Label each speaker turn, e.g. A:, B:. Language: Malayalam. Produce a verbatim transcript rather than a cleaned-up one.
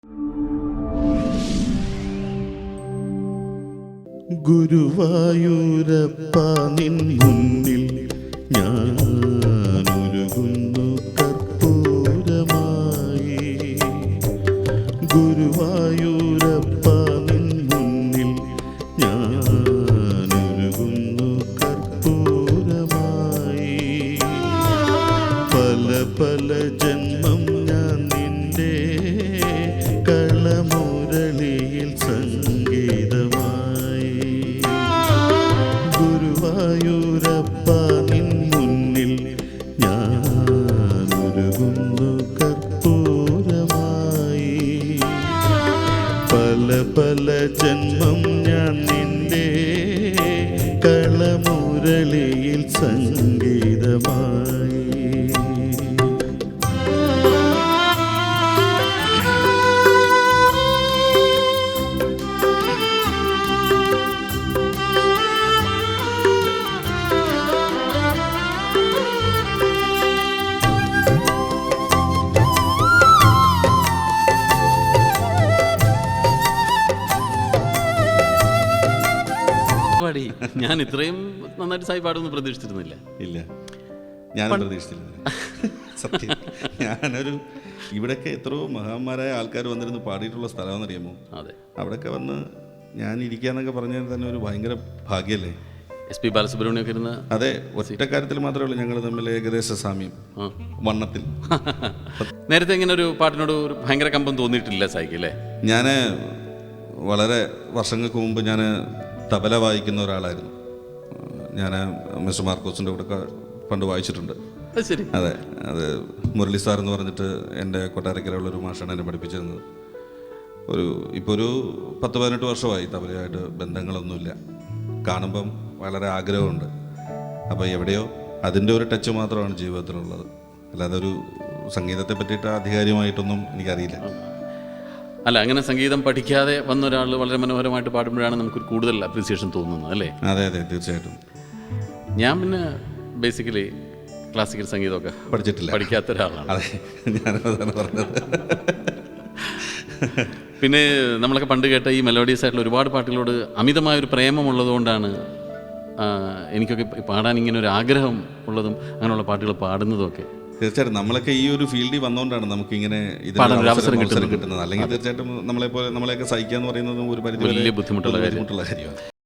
A: ഗുരുവായൂരപ്പ നിൻ മുന്നിൽ ഞാനൊരുകുന്നു കർപ്പൂരമായി. ഗുരുവായൂരപ്പ നിൻ മുന്നിൽ ഞാനൊരുകുന്നു കർപ്പൂരമായി. പല പല ജന്മം ഞാൻ നിന്റെ കളമുരളിയിൽ സംഗീതമായി. ഗുരുവായൂരപ്പ നിൻ മുന്നിൽ ഞാനൊരുകുന്നു കർപ്പൂരമായി. പല പല ജന്മം ഞാൻ നിന്റെ കളമുരളിയിൽ സംഗീതമായി.
B: ഞാൻ ഇത്രയും നന്നായിട്ട് സായി പാടുമെന്ന് പ്രതീക്ഷിച്ചിരുന്നില്ല.
A: ഇല്ല, ഞാൻ പ്രതീക്ഷിച്ചിരുന്നില്ല. സത്യം, ഞാനൊരു ഇവിടെയൊക്കെ എത്രയോ മഹാന്മാരായ ആൾക്കാർ വന്നിരുന്ന് പാടിയിട്ടുള്ള സ്ഥലമെന്നറിയാമോ?
B: അതെ,
A: അവിടെയൊക്കെ വന്ന് ഞാൻ ഇരിക്കാന്നൊക്കെ പറഞ്ഞാൽ തന്നെ ഒരു ഭയങ്കര ഭാഗ്യല്ലേ.
B: എസ് പി ബാലസുബ്രഹ്മണ്യമൊക്കെ ഇരുന്ന്.
A: അതെ, ഒറ്റ കാര്യത്തിൽ മാത്രമേ ഉള്ളൂ ഞങ്ങൾ തമ്മിൽ ഏകദേശ സാമ്യം, വണ്ണത്തിൽ.
B: നേരത്തെ ഇങ്ങനെ ഒരു പാട്ടിനോട് ഒരു ഭയങ്കര കമ്പം തോന്നിയിട്ടില്ല സായിക്ക് അല്ലേ?
A: ഞാൻ വളരെ വർഷങ്ങൾക്ക് മുമ്പ് ഞാൻ തബല വായിക്കുന്ന ഒരാളായിരുന്നു. ഞാൻ മിസ്റ്റർ മാർക്കോസിൻ്റെ കൂടെ പണ്ട് വായിച്ചിട്ടുണ്ട്.
B: ശരി.
A: അതെ, അത് മുരളി സാർ എന്ന് പറഞ്ഞിട്ട് എൻ്റെ കൊട്ടാരക്കരയുള്ളൊരു മാഷാണ് എന്നെ പഠിപ്പിച്ചിരുന്നത്. ഒരു ഇപ്പോൾ ഒരു പത്ത് പതിനെട്ട് വർഷമായി തബലയായിട്ട് ബന്ധങ്ങളൊന്നുമില്ല. കാണുമ്പം വളരെ ആഗ്രഹമുണ്ട്. അപ്പോൾ എവിടെയോ അതിൻ്റെ ഒരു ടച്ച് മാത്രമാണ് ജീവിതത്തിലുള്ളത്. അല്ലാതെ ഒരു സംഗീതത്തെ പറ്റിയിട്ട് ആധികാരികമായിട്ടൊന്നും എനിക്കറിയില്ല.
B: അല്ല, അങ്ങനെ സംഗീതം പഠിക്കാതെ വന്ന ഒരാൾ വളരെ മനോഹരമായിട്ട് പാടുമ്പോഴാണ് നമുക്ക് കൂടുതൽ അപ്രീസിയേഷൻ തോന്നുന്നത് അല്ലേ?
A: അതെ അതെ, തീർച്ചയായിട്ടും.
B: ഞാൻ പിന്നെ ബേസിക്കലി ക്ലാസിക്കൽ സംഗീതമൊക്കെ
A: പഠിച്ചിട്ടില്ല, പഠിക്കാത്ത
B: ഒരാളാണ്.
A: അതെ, ഞാനതാണ് പറഞ്ഞത്.
B: പിന്നെ നമ്മളൊക്കെ പണ്ട് കേട്ട ഈ മെലോഡിയസ് ആയിട്ടുള്ള ഒരുപാട് പാട്ടുകളോട് അമിതമായൊരു പ്രേമമുള്ളതുകൊണ്ടാണ് എനിക്കൊക്കെ പാടാൻ ഇങ്ങനെ ഒരു ആഗ്രഹം ഉള്ളതും അങ്ങനെയുള്ള പാട്ടുകൾ പാടുന്നതും ഒക്കെ.
A: തീർച്ചയായിട്ടും നമ്മളൊക്കെ ഈ ഒരു ഫീൽഡിൽ വന്നുകൊണ്ടാണ് നമുക്കിങ്ങനെ
B: അവസരം
A: കിട്ടുന്നത്. അല്ലെങ്കിൽ തീർച്ചയായിട്ടും നമ്മളെ പോലെ നമ്മളെയൊക്കെ സഹിക്കുക എന്ന് പറയുന്നത് ഒരു പരിധി
B: വലിയ ബുദ്ധിമുട്ടുള്ള
A: ബുദ്ധിമുട്ടുള്ള കാര്യമാണ്.